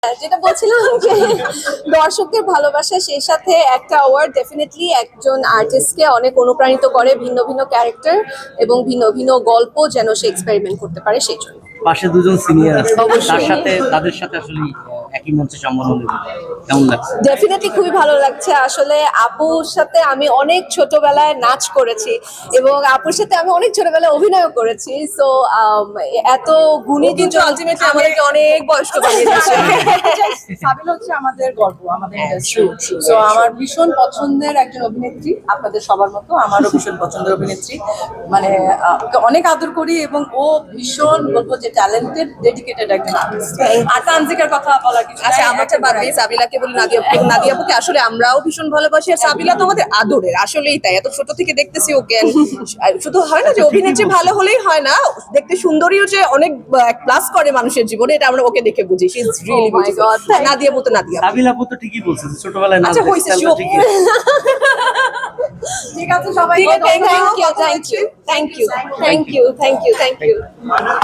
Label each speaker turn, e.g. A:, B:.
A: যেটা বলছিলাম যে দর্শকদের ভালোবাসা সেই সাথে একটা অ্যাওয়ার্ড ডেফিনেটলি একজন আর্টিস্টকে অনেক অনুপ্রাণিত করে ভিন্ন ভিন্ন ক্যারেক্টার এবং ভিন্ন ভিন্ন গল্প যেন সে এক্সপেরিমেন্ট করতে পারে সেই জন্য।
B: পাশে দুজন সিনিয়র আছে,
A: অবশ্যই।
B: তাদের সাথে আসলে একই মঞ্চে সম্বোধন দেবে, কেমন লাগছে?
A: ডেফিনেটলি খুবই ভালো লাগছে। আসলে আপুর সাথে আমি অনেক ছোটবেলায় নাচ করেছি এবং আপুর সাথে আমি অনেক ছোটবেলায় অভিনয় করেছি। সো এত গুণী
C: কিন্তু
A: দুজন
C: আলটিমেটলি আমাদেরকে অনেক বয়স্ক বানিয়ে দিয়েছে। সাবিনা হচ্ছে আমাদের গর্ব, আমাদের ইন্ডাস্ট্রি। সো আমার ভীষণ পছন্দের একজন অভিনেত্রী, আপনাদের সবার মতো আমারও ভীষণ পছন্দের অভিনেত্রী। মানে ওকে অনেক আদর করি এবং ও ভীষণ বলবো যে ট্যালেন্টেড, ডেডিকেটেড একজন আর্টিস্ট। আর তানজিকার কথা বলা কিছু
D: আচ্ছা, আমারটা বাদ দিয়ে সাবিলাকে বলি, নাদিয়াপুকে আসলে আমরাও ভীষণ ভালোবাসি। আর সাবিলা তো আমাদের আদরের, আসলেই তাই। এত ছোট থেকে দেখতেছি ওকে। শুধু হয় না যে অভিনেত্রী ভালো হলেই হয় না, দেখতে সুন্দরীও যে অনেক প্লাস করে মানুষের জীবনে, এটা আমরা ওকে দেখে বুঝি। She is really beautiful. নাদিয়াপু তো নাদিয়া।
B: সাবিলা আপু তো ঠিকই বলছে যে ছোটবেলায় নাচ
D: আচ্ছা, হইছে,
B: দেখতে
D: চুপ।
B: ঠিকই আছে।
C: ঠিক আছে সবাই,
A: thank you thank you thank you thank you thank you thank you.